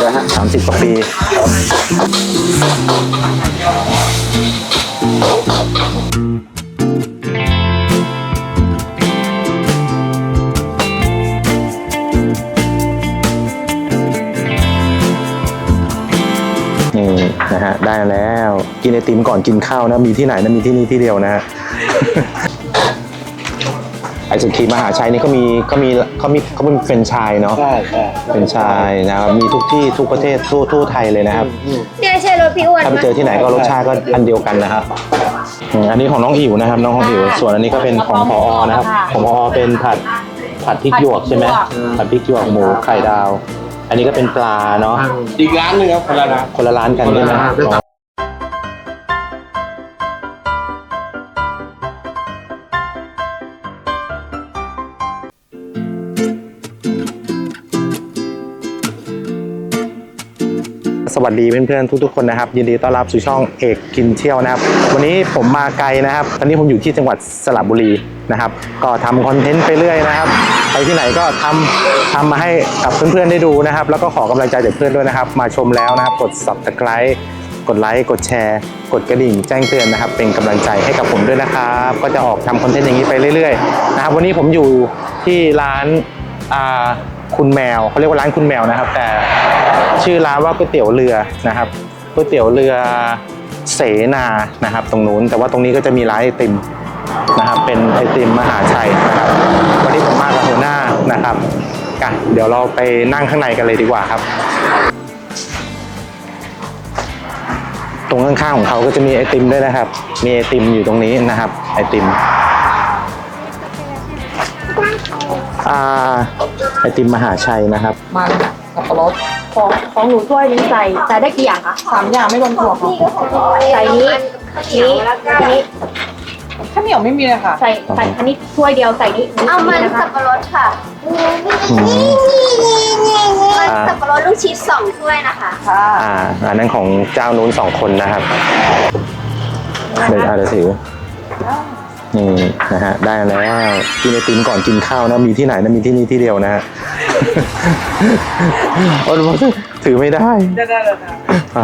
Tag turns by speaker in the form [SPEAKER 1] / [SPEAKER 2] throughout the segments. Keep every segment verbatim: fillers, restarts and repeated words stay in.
[SPEAKER 1] แล้วฮะ
[SPEAKER 2] สามสิบกว่าปีนี่นะฮะได้แล้วกินไอติมก่อนกินข้าวนะมีที่ไหนนะมีที่นี่ที่เดียวนะฮะ ไอศครีมมหาชัยนี่เขามีเขามีเขามีเขาเป็นแฟรนไชส์เนาะ
[SPEAKER 1] ใช่ใช่
[SPEAKER 2] แฟรนไชส์นะครับมีทุกที่ทุกประเทศทั่วทั่วไทยเลยนะครับ
[SPEAKER 3] เนี่ยใช่รถพี่อ้วน
[SPEAKER 2] ถ้าไปเจอที่ไหนก็รสชาติก็อันเดียวกันนะครับอันนี้ของน้องอิ๋วนะครับน้องของอิ๋วส่วนอันนี้ก็เป็นของพอนะครับของพอเป็นผัดผัดพริกหยวกใช่ไหมผัดพริกหยวกหมูไข่ดาว อันนี้ก็เป็นปลาเนาะ
[SPEAKER 1] อีกร้านนึงครับคนละร้าน
[SPEAKER 2] คนละร้านกันใช่ไหมสวัสดีเพื่อนๆทุกๆคนนะครับยินดีต้อนรับสู่ช่องเอกกินเที่ยวนะครับวันนี้ผมมาไกลนะครับตอนนี้ผมอยู่ที่จังหวัดสระบุรีนะครับก็ทำคอนเทนต์ไปเรื่อยนะครับไปที่ไหนก็ทำทำมาให้กับเพื่อนๆได้ดูนะครับแล้วก็ขอกำลังใจจากเพื่อนด้วยนะครับมาชมแล้วนะครับกด ซับสไครบ์ กดไลค์กดแชร์กดกระดิ่งแจ้งเตือนนะครับเป็นกำลังใจให้กับผมด้วยนะครับก็จะออกทำคอนเทนต์อย่างนี้ไปเรื่อยๆนะครับวันนี้ผมอยู่ที่ร้านอ่าคุณแมวเขาเรียกว่าร้านคุณแมวนะครับแต่ชื่อร้านว่าก๋วยเตี๋ยวเรือนะครับก๋วยเตี๋ยวเรือเสนานะครับตรงนู้นแต่ว่าตรงนี้ก็จะมีร้านไอติมนะครับเป็นไอติมมหาชัยนะครับวันนี้ผมมากับหัวหน้านะครับกันเดี๋ยวเราไปนั่งข้างในกันเลยดีกว่าครับตรงข้างๆของเขาก็จะมีไอติมด้วยนะครับมีไอติมอยู่ตรงนี้นะครับไอติมอ่าไอติมมหาชัยนะครับ
[SPEAKER 4] มันสับปะรดของของหนูถ้วยนี้ใส่ใส่ได้กี่อย่างคะสามอย่างไม่รวมถั่วค่ะใส่นี้นี้นี้ข้าวเหนียวไม่มีเลยค่ะใส่ใส่อันนี้ถ้วยเดียวใส่นี้
[SPEAKER 3] เอามันสับปะรดค่ะมันสับปะรดลูกชีสสองถ้วยนะคะ
[SPEAKER 4] ค่ะ
[SPEAKER 2] อ่าอันนั้นของเจ้านู้นสองคนนะครับเดี๋ยวอาจจะถือนี่นะฮะได้แล้วกินไอติมก่อนกินข้าวนะมีที่ไหนนะมีที่นี่ที่เดียวนะฮะโอ้ยถือไม่ได้
[SPEAKER 4] ได้ได้เลยค่ะ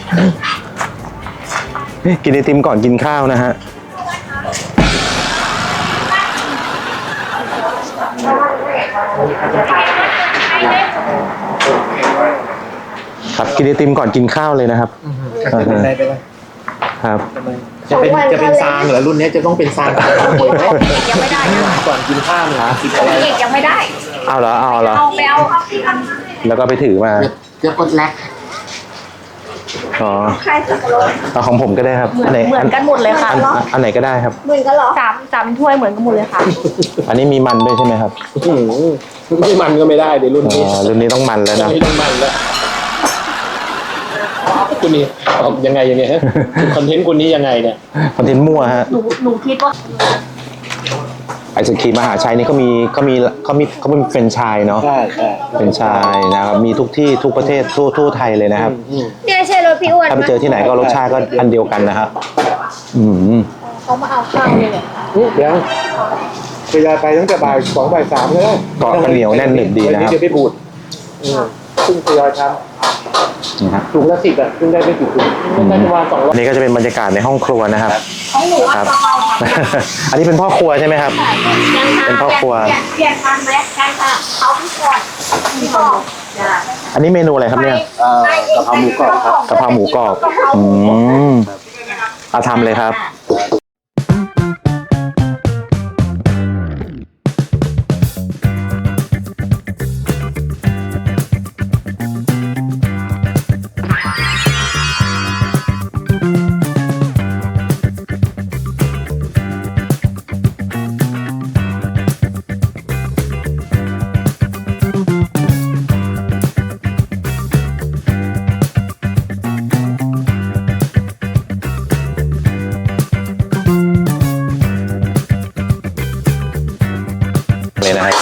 [SPEAKER 2] กินไอติมก่อนกินข้าวนะฮะครับกินไอติมก่อนกินข้าวเลยนะครับครับ
[SPEAKER 1] จะเป็นจะเป็นซางเหรอรุ่นนี้จะต้องเป็นซางก่อน
[SPEAKER 4] ยังไม่ได้
[SPEAKER 1] ก่อนกินข้าวเหรอ
[SPEAKER 4] เอกยังไม่ได้
[SPEAKER 2] เอาเหรอเอาเหรอ
[SPEAKER 4] เอาไปเอา
[SPEAKER 2] แล้วก็ไปถือมา
[SPEAKER 1] จะกดแลก
[SPEAKER 2] อ๋อ
[SPEAKER 3] ใครสับปะรด
[SPEAKER 2] เอาของผมก็ได้ครับ
[SPEAKER 4] เหมือนเหมือนกันหมดเลยค่ะ
[SPEAKER 2] อันไหนก็ได้ครับ
[SPEAKER 3] เหมือนกันเหรอ
[SPEAKER 4] สามสามถ้วยเหมือนกันหมดเลยค่ะ
[SPEAKER 2] อันนี้มีมันด้วยใช่ไหมครับ
[SPEAKER 1] ไม่มันก็ไม่ได้เดี๋ยวรุ่นนี้
[SPEAKER 2] รุ่นนี้ต้องมันแล้วนะ
[SPEAKER 1] ต้องมันแล้วคุณนี่ยังไงยังไงฮะคอนเทนต์คุณนี้ยังไงเนี่ย
[SPEAKER 2] คอนเทนต์มั่วฮะ
[SPEAKER 4] หนูหนูคิดว่า
[SPEAKER 2] ไอศครีมมหาชัยนี่เขามีเขามีเขามีเขาเป็นแฟรนไชส์เนาะ
[SPEAKER 1] ใช่ใช่
[SPEAKER 2] แฟรนไชส์นะครับมีทุกที่ทุกประเทศทั่วทั่วไทยเลยนะครับ
[SPEAKER 3] เนี่ยใช่รถพี่อ้วน
[SPEAKER 2] ถ้าไปเจอที่ไหนก็รสชาติก็อันเดียวกันนะครับอืม
[SPEAKER 4] เขามาเอาข้าวเลยเนี่ย
[SPEAKER 1] เดี๋ยวไปยายไปตั้งแต่บ่ายสองบ่ายสามเลย
[SPEAKER 2] เกาะเหนียวแน่นหนึบดีนะครับ
[SPEAKER 1] เดี๋ยวไปบูดซึ่งทยอยทำถุงละสิบอ่ะซึ่งได้ไม่กี่ถุงได้ประมาณสองร้อย
[SPEAKER 2] นี่ก็จะเป็นบรรยากาศในห้องครัวนะครับครับอันนี้เป็นพ่อครัวใช่ไหมครับเป็นพ่อครัว
[SPEAKER 3] เปลี่ยนทันไหมกันค่ะเขาพี่ก่อนพี่ก่อน
[SPEAKER 2] อันนี้เมนูอะไรครับเนี่ย
[SPEAKER 1] กะเพราหมูกรอบครับ
[SPEAKER 2] กะเพราหมูกรอบอืมเอาทำเลยครับเลยนะครับ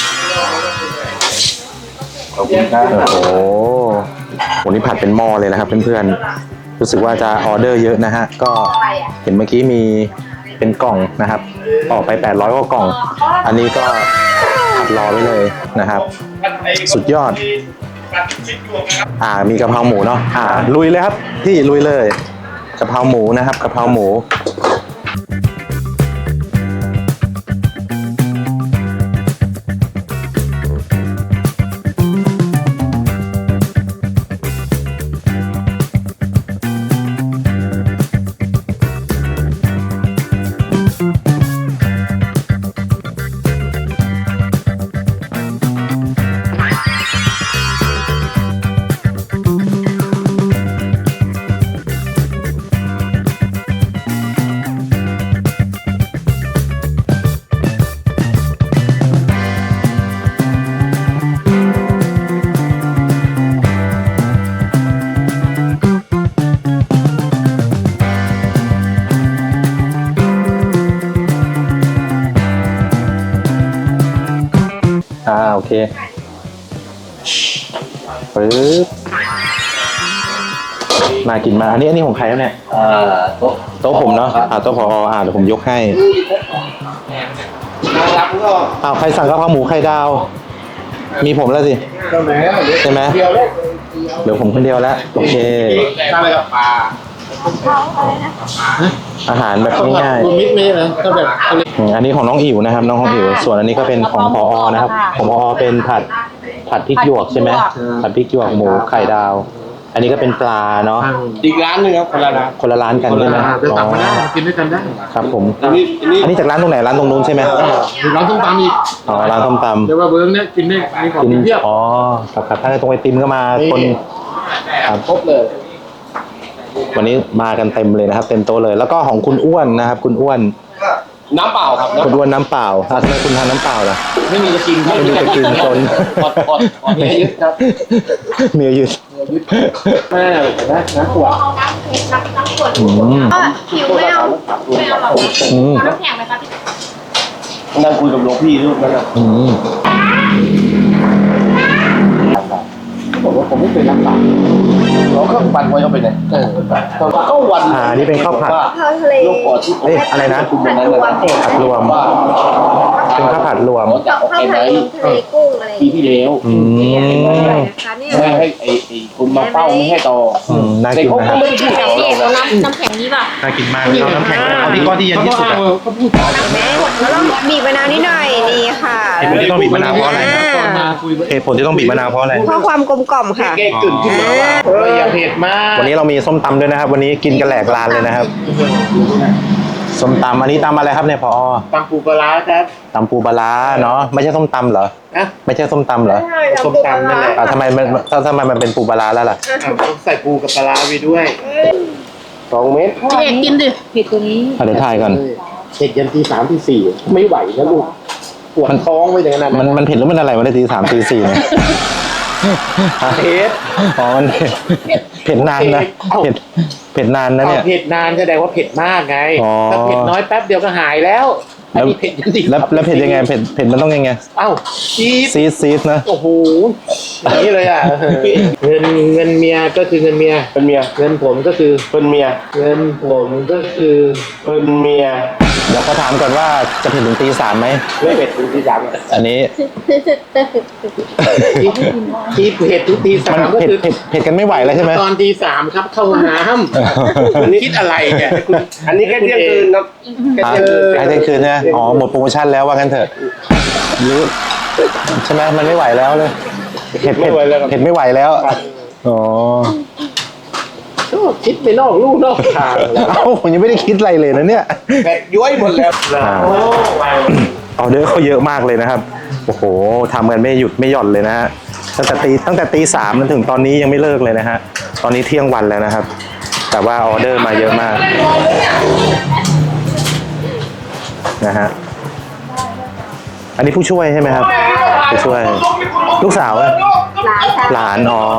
[SPEAKER 1] ขอบคุณครับ
[SPEAKER 2] โอ้โหวันนี้ผัดเป็นหม้อเลยนะครับเพื่อนๆรู้สึกว่าจะออเดอร์เยอะนะฮะก็เห็นเมื่อกี้มีเป็นกล่องนะครับออกไปแปดร้อยกว่ากล่องอันนี้ก็ผัดรอไว้เลยนะครับสุดยอดอ่ามีกะเพราหมูเนาะอ่าลุยเลยครับพี่ลุยเลยกะเพราหมูนะครับกะเพราหมูอ่าโอเคปึ๊บมากินมาอันนี้อันนี้ของใครครับเนี่ย
[SPEAKER 1] อ่าโต๊ะ
[SPEAKER 2] โต๊ะผมเนาะอ่าโต๊ะพออ่าเดี๋ยวผมยกให้
[SPEAKER 1] รับก็
[SPEAKER 2] อ้าวใครสั่งกะเพราหมูไข่ดาว มีผมแล้วสิ
[SPEAKER 1] ตรงไหน
[SPEAKER 2] ใช่ไหม
[SPEAKER 1] เดียวเลย
[SPEAKER 2] เดี๋ยวผมคนเดียวแล้วโอเค
[SPEAKER 1] ทำอะไรกับปลา
[SPEAKER 2] อาหารแบบง่าย
[SPEAKER 1] รวมมิตรไม่ใช่เหรอก็แบบ
[SPEAKER 2] ๆอืมอันนี้ของน้องอิ๋วนะครับ น้องของอิ๋วส่วนอันนี้ก็เป็นของพอนะครับของพอเป็นผัดผัดพริกหยวกใช่ไหมผัดพริกหยวกหมูไข่ดาว อันนี้ก็เป็นปลาเนาะ
[SPEAKER 1] อีกร้านหนึงครับคนละร้าน
[SPEAKER 2] คนละร้านกันใช่ไหม
[SPEAKER 1] เดี๋ยว
[SPEAKER 2] อ๋
[SPEAKER 1] สั่งมาได้
[SPEAKER 2] อ
[SPEAKER 1] กินด้วยกันได้
[SPEAKER 2] ครับผม
[SPEAKER 1] อันนี้อันนี้
[SPEAKER 2] อันนี้จากร้านตรงไหนร้านตรงนู้นใช่ไหม
[SPEAKER 1] หรือร้านส้มตำอีก
[SPEAKER 2] อ๋อร้านส้มตำ
[SPEAKER 1] เดี๋ยวว่าเบิ้งเนี่ยกินได้มีของ
[SPEAKER 2] กิน
[SPEAKER 1] กินเพียบ
[SPEAKER 2] อ๋อครับครับถ้าในตรงไอติมก็มาคนครับ
[SPEAKER 1] ครบเลย
[SPEAKER 2] วันนี้มากันเต็มเลยนะครับ เต็มโต๊ะเลย แล้วก็ของคุณอ้วนนะครับ คุณอ้วน
[SPEAKER 1] น้ำเปล่าครับ
[SPEAKER 2] คุณอ้วนน้ำเปล่าอ่ะทำไมคุณทานน้ำเปล่าล่ะ
[SPEAKER 1] ไม่มีจะกิน
[SPEAKER 2] ไม่มีจะกินจน
[SPEAKER 1] อดอดอดเนี่ยยึดครับ
[SPEAKER 2] เมียยืด
[SPEAKER 1] แม่นะน้ำขวด
[SPEAKER 3] เอาน้ำเค็มน้ำน้ำขวด
[SPEAKER 2] อืม
[SPEAKER 3] อ่ะหิวไม่เอาไม่เอาหรอก
[SPEAKER 2] อืม
[SPEAKER 3] เอาน้ำแข็งไหมคะพี่
[SPEAKER 1] นั่งคุยกับหลวงพี่รูปนั้นนะ
[SPEAKER 2] อืม
[SPEAKER 1] เขาบอกว่าผมไม่เคยน้ำตาลเขาเครื่องปั่นไว้เขาไปไหนเออก็วัน
[SPEAKER 2] อ่านี่เป็นข้าวผัด
[SPEAKER 3] ข้าวทะเล
[SPEAKER 1] โรคปอดที่
[SPEAKER 2] เอ๊ะอะไรนะ
[SPEAKER 1] คุณนั้นนะ
[SPEAKER 2] ผัดรวม
[SPEAKER 1] ว่า
[SPEAKER 2] เป็นข้าวผัดรวม
[SPEAKER 1] เขาจะ
[SPEAKER 3] ข้าว
[SPEAKER 1] เอาไป
[SPEAKER 3] ผั
[SPEAKER 1] ไหน
[SPEAKER 3] ดรวมทะเลกุ้งอะไร
[SPEAKER 1] ปีที่แล้ว
[SPEAKER 2] อืม
[SPEAKER 3] นะคะเนี่ย
[SPEAKER 1] ไม่ให้ไอ้ไอ้คุณมาเฝ้าไม่ให้ต่อ
[SPEAKER 2] อืมน่ากิน
[SPEAKER 1] เขา
[SPEAKER 2] นะค
[SPEAKER 1] ก็
[SPEAKER 2] รับ
[SPEAKER 1] ไม่ได้พูด
[SPEAKER 3] แข็งนี่เอาน้ำน้ำแข็งนี้ป่ะ
[SPEAKER 2] น่ากินมากเลยเอาน้ำแข็งเอาที่ก้อนที่เย็นที่สุดอะ
[SPEAKER 1] เขาพูดต่อ
[SPEAKER 5] แล้วเราบีบมะนาวนิดหน่อยนี่ค่ะ
[SPEAKER 2] เหตุผลที่ต้องบีบมะนาวเพราะอะไรครับ
[SPEAKER 1] ตอนมาคุย
[SPEAKER 2] เหตุผลที่ต้องบีบมะนาวเพราะอะไร
[SPEAKER 5] เพื่อความกลมกล่อมค่ะ
[SPEAKER 1] แกกึ่นขึ้นมาว่าเอออย่าเผ็ดมาก
[SPEAKER 2] วันนี้เรามีส้มตำด้วยนะครับ วันนี้กินกันแหลกลานเลยนะครับ ส้มตำอันนี้ตำอะไรครับเนี่ยพอ
[SPEAKER 1] ตำปูปลาร้าครับ
[SPEAKER 2] ตำปูปลาร้าเนาะไม่ใช่ส้มตำเหรอ
[SPEAKER 1] นะ
[SPEAKER 2] ไม่ใช่ส้มตำเหรอ
[SPEAKER 1] ส้มตำนั่นแหละ
[SPEAKER 2] อ่าทำไมมันถ้าทำไมมันเป็นปูปลาร้าแล้วล่ะ
[SPEAKER 1] อ่ะต้องใส่ปูกับปลาร้าไปด้วยสองเม็ด
[SPEAKER 3] พี่เอกกินดิ
[SPEAKER 4] ผิดตัวนี้
[SPEAKER 2] อ่ะเดี๋ยวถ่ายก่อน
[SPEAKER 1] เผ็ดยันตีสามตีสี่ไม่ไหวนะลูกปวดท้องไปถึงขนาด
[SPEAKER 2] มัน
[SPEAKER 1] นั้น
[SPEAKER 2] มันเผ็ดหรือมันอะไรวันทีสามตีสี่เนี่ย
[SPEAKER 1] เผ็ด
[SPEAKER 2] อ๋อมันเผ็ดเผ็ดนานนะเผ็ดเผ็ดนานนะ
[SPEAKER 1] เอา
[SPEAKER 2] เนี่ย
[SPEAKER 1] เผ็ดนานแสดงว่าเผ็ดมากไง
[SPEAKER 2] อ๋อ
[SPEAKER 1] ถ้าเผ็ดน้อยแป๊บเดียวก็หายแล้วอันนี้เผ็ดยันตี
[SPEAKER 2] แล้วแล้วเผ็ดยังไงเผ็ดเผ็ดมันต้องยังไง
[SPEAKER 1] เอ้าจี๊ด
[SPEAKER 2] ซีดซีดนะ
[SPEAKER 1] โอ้โหอย่างนี้เลยอ่ะเงินเงินเมียก็คือเงินเมียเป็นเมียเงินผมก็คือเป็นเมียเงินผมก็คือเป็นเมีย
[SPEAKER 2] เดี๋ยวเขาถามก่อนว่าจะเผ็ดถึงตีสามไหม
[SPEAKER 1] ไม่เผ็ดถึงตีสาม
[SPEAKER 2] อันนี้
[SPEAKER 1] ที่เผ็ดถึงตีสา
[SPEAKER 2] มัน
[SPEAKER 1] มก็
[SPEAKER 2] เผ็ด
[SPEAKER 1] คือ
[SPEAKER 2] เผ็ดเผ็ดกันไม่ไหวแล้วใช่ไหม
[SPEAKER 1] ตอนตีสามครับเข้าห้องน้ำอันนี้คิดอะไรเนี่ยคุณอันนี้แค่เที่ยงคืนครับแค่
[SPEAKER 2] อ่ะ
[SPEAKER 1] เที่ยงคืน
[SPEAKER 2] ให้เที่ยงคืนใช่ไหมอ๋อหมดโปรโมชั่นแล้วว่างั้นเถอะหรือใช่ไหมมันไม่ไหวแล้วเลยเผ็ดเผ็ดเผ็ดไม่ไหวแล้วอ๋อ
[SPEAKER 1] โอ้คิดไปนอกลู่นอกทางแล้ว
[SPEAKER 2] เอ้าผมยังไม่ได้คิดอะไรเลยนะเนี่ย
[SPEAKER 1] แบกย้อยหมดแล้ว
[SPEAKER 2] อ่า
[SPEAKER 1] โอ้ย
[SPEAKER 2] ออเดอร์เขาเยอะมากเลยนะครับโอ้โหทำกันไม่หยุดไม่หย่อนเลยนะฮะตั้งแต่ตีตั้งแต่ตีสามจนถึงตอนนี้ยังไม่เลิกเลยนะฮะตอนนี้เที่ยงวันแล้วนะครับ แต่ว่าออเดอร์มาเยอะมากนะฮะอันนี้ผู้ช่วยใช่ไหมครับผู้ช่วย ลูกสาวอะ
[SPEAKER 3] ร้านค่ะ
[SPEAKER 2] หลานอ๋อ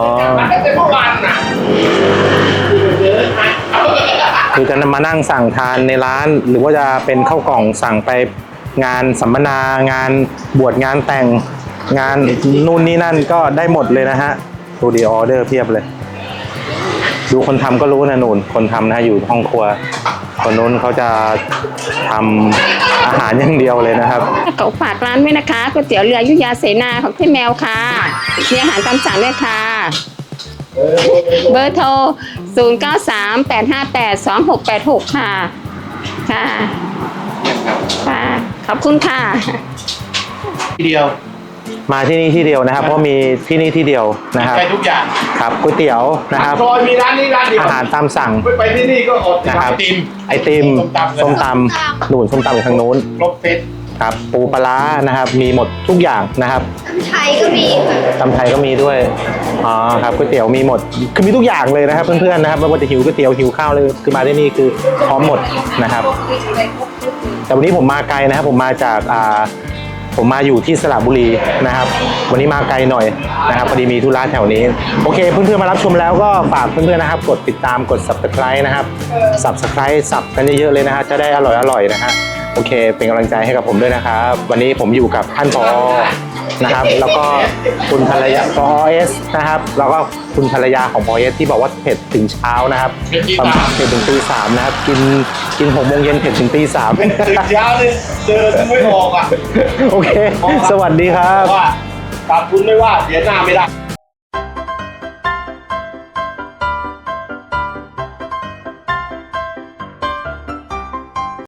[SPEAKER 2] คือจะมานั่งสั่งทานในร้าน หรือว่าจะเป็นข้าวกล่องสั่งไปงานสัมมนางานบวชงานแต่งงานนู่นนี่นั่นก็ได้หมดเลยนะฮะดูดีออเดอร์เพียบเลย ดูคนทำก็รู้นะนูนคนทำนะอยู่ห้องครัวคนนู้นเขาจะทำอาหารอย่างเดียวเลยนะครับ
[SPEAKER 6] ขอฝากร้านด้วยนะคะก๋วยเตี๋ยวเรืออยุธยาเสนาของพี่แมวค่ะมีอาหารตามสั่งด้วยค่ะ เบอร์โทร ศูนย์ เก้า สาม แปด ห้า แปด สอง หก แปด หก ค่ะ ค่ะ ค่ะ ขอบคุณค่ะ
[SPEAKER 1] ทีเดียว
[SPEAKER 2] มาที่นี่ที่เดียวนะครับ เพราะมีที่นี่ที่เดียวนะครับ
[SPEAKER 1] ใช้ทุกอย่าง
[SPEAKER 2] ครับก๋วยเตี๋ยวนะครับ
[SPEAKER 1] ซอยมีร้านนี้ร้านเดียว
[SPEAKER 2] อาหารตามสั่ง
[SPEAKER 1] ไปไปที่นี่ก็อด
[SPEAKER 2] นะครับ
[SPEAKER 1] ไอติม
[SPEAKER 2] ไอติม
[SPEAKER 1] ส้มตำ
[SPEAKER 2] ส้มตำหนุนส้มตำอยู่ทางนู้น
[SPEAKER 1] ครบเซต
[SPEAKER 2] ครับปูปลาร้านะครับ มีหมดทุกอย่างนะครับ
[SPEAKER 5] ไทยก็มีค่ะ
[SPEAKER 2] ตำไทยก็มีด้วยอ๋อครับก๋วยเตี๋ยวมีหมดคือมีทุกอย่างเลยนะครับ เพื่อนๆนะครับไม่ว่าจะหิวก๋วยเตี๋ยวหิวข้าวเลยคือมาที่นี่คือพร้อมหมดนะครับ แต่วันนี้ผมมาไกลนะครับ ผมมาจากอ่าผมมาอยู่ที่สระบุรีนะครับ วันนี้มาไกลหน่อยนะครับพอดีมีธุระแถวนี้โอเคเพื่อนๆมารับชมแล้วก็ฝากเพื่อนๆนะครับ กดติดตามกด ซับสไครบ์ นะครับ ซับสไครบ์ สับกันเยอะๆเลยนะฮะจะได้อร่อยๆนะฮะโอเคเป็นกำลังใจให้กับผมด้วยนะครับ วันนี้ผมอยู่กับท่านผอนะครับ แล้วก็คุณภรรยาผอเอสนะครับแล้วก็คุณภรรยาของผอเอสที่บอกว่าเผ็ดถึงเช้านะครับประมาณเผ็ดถึงตีสามนะครับกินกินหกโมงเย็นเผ็ดถึงตีสาม
[SPEAKER 1] ตื่นเช้าเลยเจอไม่ออกอ่ะ
[SPEAKER 2] โอเค สวัสดีครับ
[SPEAKER 1] ว่าตามคุณไม่ว่าเสียหน้าไม่ได้